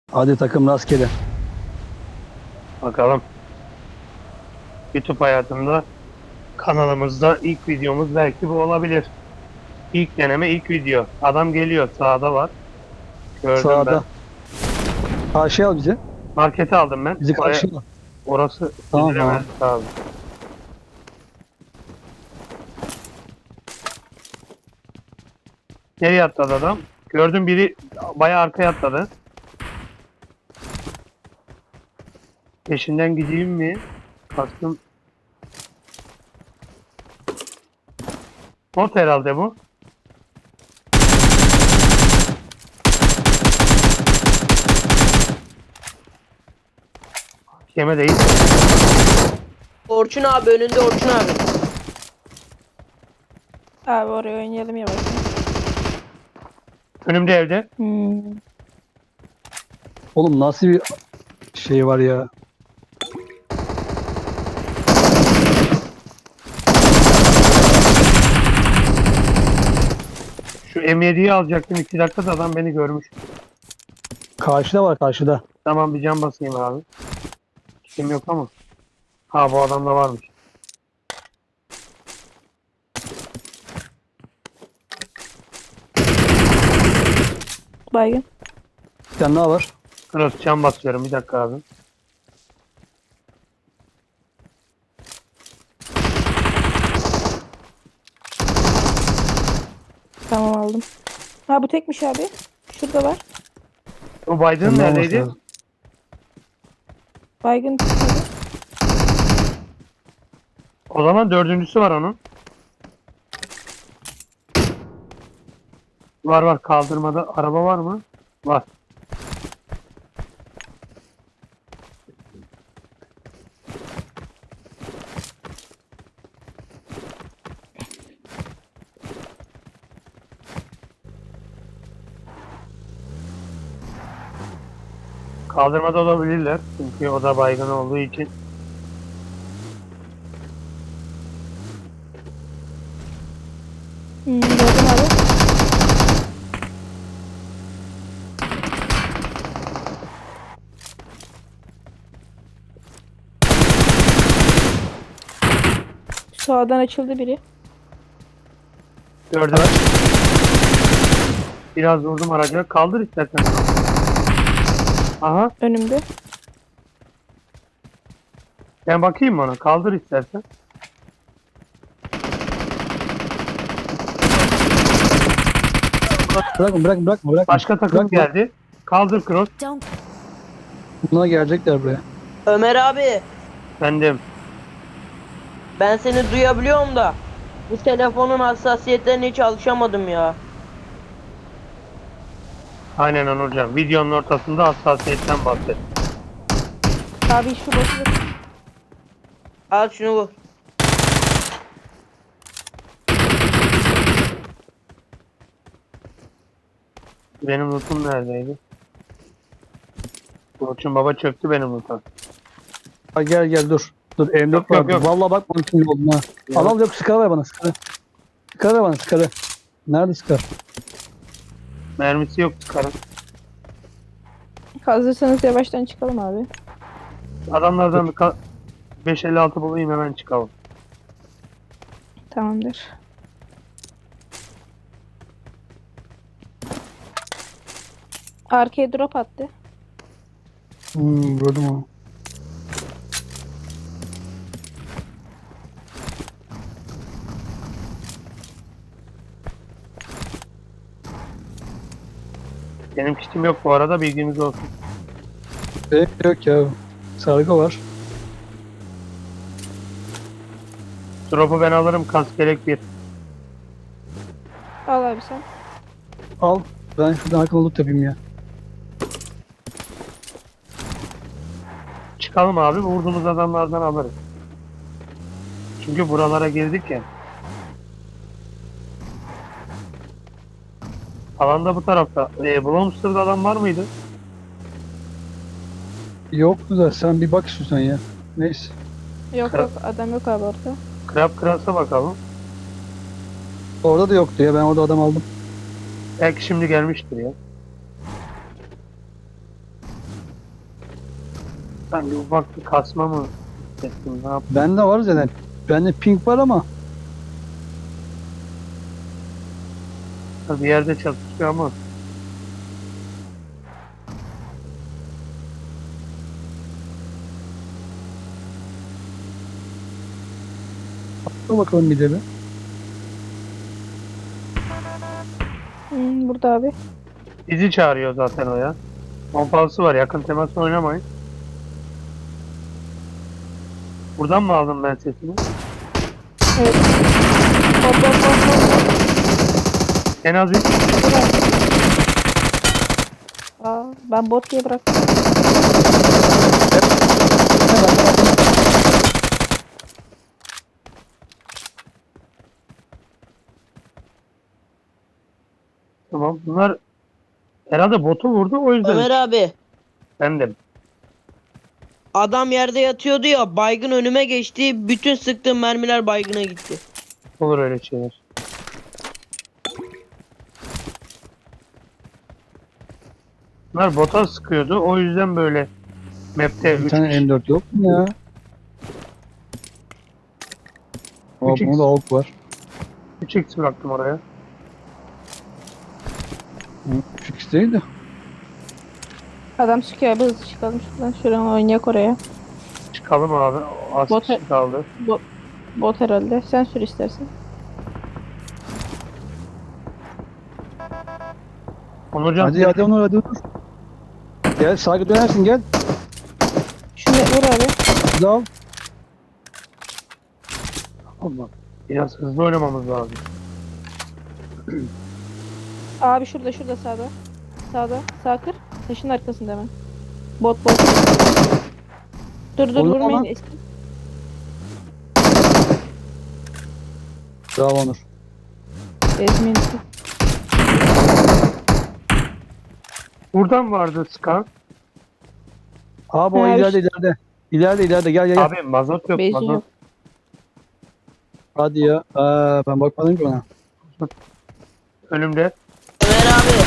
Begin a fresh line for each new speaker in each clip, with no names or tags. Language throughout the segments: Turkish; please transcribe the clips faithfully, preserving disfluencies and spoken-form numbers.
Hadi takım rastgele.
Bakalım. YouTube hayatımda kanalımızda ilk videomuz belki bu olabilir. İlk deneme, ilk video. Adam geliyor, sağda var. Gördüm ben.
Sağda. Karşıya al bizi.
Markete aldım ben.
Bizi
Oraya,
karşıya al.
orası
Tamam
üzülemez
tamam.
abi. Nereye atladı adam? Gördüm, biri bayağı arkaya atladı. Peşinden gideyim mi? Baktım. Bot herhalde bu. Yeme değil.
Orçun abi önünde Orçun abi.
Abi oraya oynayalım yavaş.
Önümde evde.
Hmm.
Oğlum nasıl bir şey var ya.
Şu M yediyi alacaktım. iki dakikada adam beni görmüş.
Karşıda var karşıda.
Tamam, bir can basayım abi. Kim yok ama. Ha, bu adamda varmış.
Baygın.
Bir tane daha var.
Cross can basıyorum, bir dakika abi.
Tamam aldım. Ha bu tekmiş abi. Şurada var.
O Biden
Tamam,
neredeydi?
olması
Baygın çıkmadı.
O zaman dördüncüsü var onun. Var var, kaldırmada araba var mı? Var. Kaldırmada olabilirler. Çünkü o da baygın olduğu için.
Hmm, gördüm abi. Sağdan açıldı biri.
Gördüm. Biraz vurdum araca. Kaldır istersen. Aha.
Önümde.
Ben bakayım ona. Kaldır istersen.
Bırakma bırakma bırakma bırakma.
Başka takım
Bırakma.
geldi. Kaldır Cross.
Don't
Bunlar gelecekler buraya.
Ömer abi
Bendim.
ben seni duyabiliyorum da bu telefonun hassasiyetlerine hiç alışamadım ya.
Aynen Onurcan. Videonun ortasında hassasiyetten bahset.
Abi şu botu.
Al şunu vur.
Benim lootum neredeydi? Burçun baba çöktü benim loot'a.
Ha, gel gel dur. Dur M dört
Yok, yok,
var.
yok.
Vallahi bak bunun için oldum ha.
Yok.
Al al yok sıkarı ver bana sıkarı. Sıkarı ver bana sıkarı. Nerede sıkar?
Mermisi yok, çıkarın.
Hazırsanız yavaştan çıkalım abi.
Adamlardan bir ka- beş elli altı bulayım, hemen çıkalım.
Tamamdır. Arkaya drop attı.
Hmm gördüm onu.
Benim kitim yok bu arada, bilginiz olsun.
Yok yok ya. Sargı var.
Drop'u ben alırım, kask gerek bir.
Al abi sen.
Al. Ben şuradan akıllı loot yapayım ya.
Çıkalım abi, vurduğumuz adamlardan alırız. Çünkü buralara girdik ya. Alanda bu tarafta. E, Blomster'da adam var mıydı?
Yoktu da sen bir bak istiyorsan ya. Neyse.
Yok
Kra-
yok adam yok abi orada.
Krab Kras'a bakalım.
Orada da yoktu ya. Ben orada adam aldım.
Belki şimdi gelmiştir ya. Ben bir ufak bir kasma mı hissettim? Ne yaptım?
Bende var zaten. Bende ping var ama
Bir yerde çatışıyor ama.
dur bakalım bir de bir.
Hmm, burada abi.
Bizi çağırıyor zaten o ya. Pompalısı var. Yakın temas oynamayın. Buradan mı aldım ben sesini?
Evet. Hop hop hop hop.
En az üç.
Aa, ben bot diye bıraktım.
Tamam. Bunlar herhalde botu vurdu o yüzden.
Ömer abi.
Ben de.
Adam yerde yatıyordu ya. Baygın önüme geçti. Bütün sıktığım mermiler baygına gitti.
Olur öyle şeyler. Bunlar bota sıkıyordu. O yüzden böyle map'te
Bir
üç
tane M dört yok mu ya? Aa,
üç x
bunda da AUK var.
üç x bıraktım oraya.
üç x değil de.
Adam çıkıyor abi, hızlı çıkalım şuradan. Şuradan oynayak oraya.
Çıkalım abi. Az
Bota-
kişi kaldı.
Bot, bot herhalde. Sen sür istersen.
Onurcan
Hadi hadi Onur hadi Onur. Gel sağa dönersin gel.
Şunu vur abi.
Hızlı al.
Allah. Biraz hızlı oynamamız lazım.
Abi şurada şurada sağda. Sağda. Sağ kır. Taşın arkasında hemen. Bot bot. Dur dur
Oğlum
vurmayın.
ama-
Eski.
Bravo Onur.
Ezmeyin.
Buradan vardı Scar.
Abi o
Ha,
ileride
işte.
ileride. İleride ileride gel gel gel.
Abi mazot yok
Benzin
mazot.
yok.
Hadi ya. Aa, ben bakmadım ki ona.
Önümde
Ömer abi.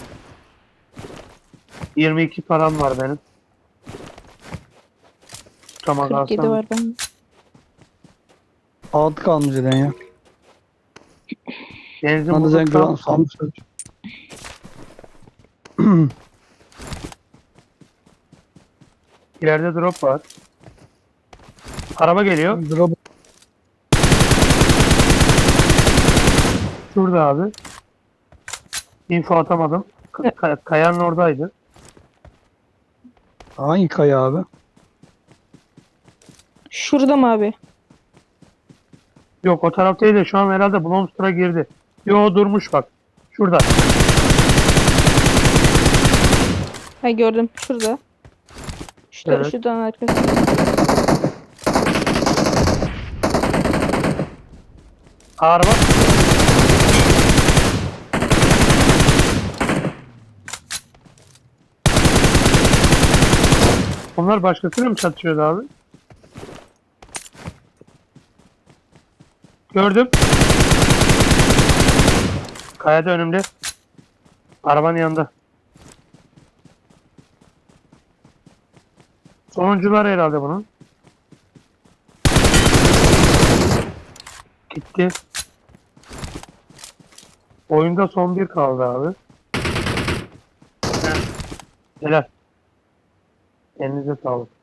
yirmi iki param var benim. Tamam
kırk yedi
alsam.
var bende.
Altı kalmış zaten ya.
Benzin
Bana da sen
bulursam
gran salmışlar.
ileride drop var. Araba geliyor.
Drop.
Şurada abi. Info atamadım. K- kay- kayanın oradaydı.
Hangi kaya abi?
Şurada mı abi?
Yok o taraf değil de şu an herhalde Blomster'a girdi. Yo durmuş bak. Şurada.
Ha gördüm. Şurada. Şu
Evet.
şuradan arkasında.
Araba. Onlar başkasıyla mı çatışıyordu abi? Gördüm. Kayada önümde. Arabanın yanında. Sonuncular herhalde bunun. Gitti. Oyunda son bir kaldı abi. Heh. Helal. Elinize sağlık.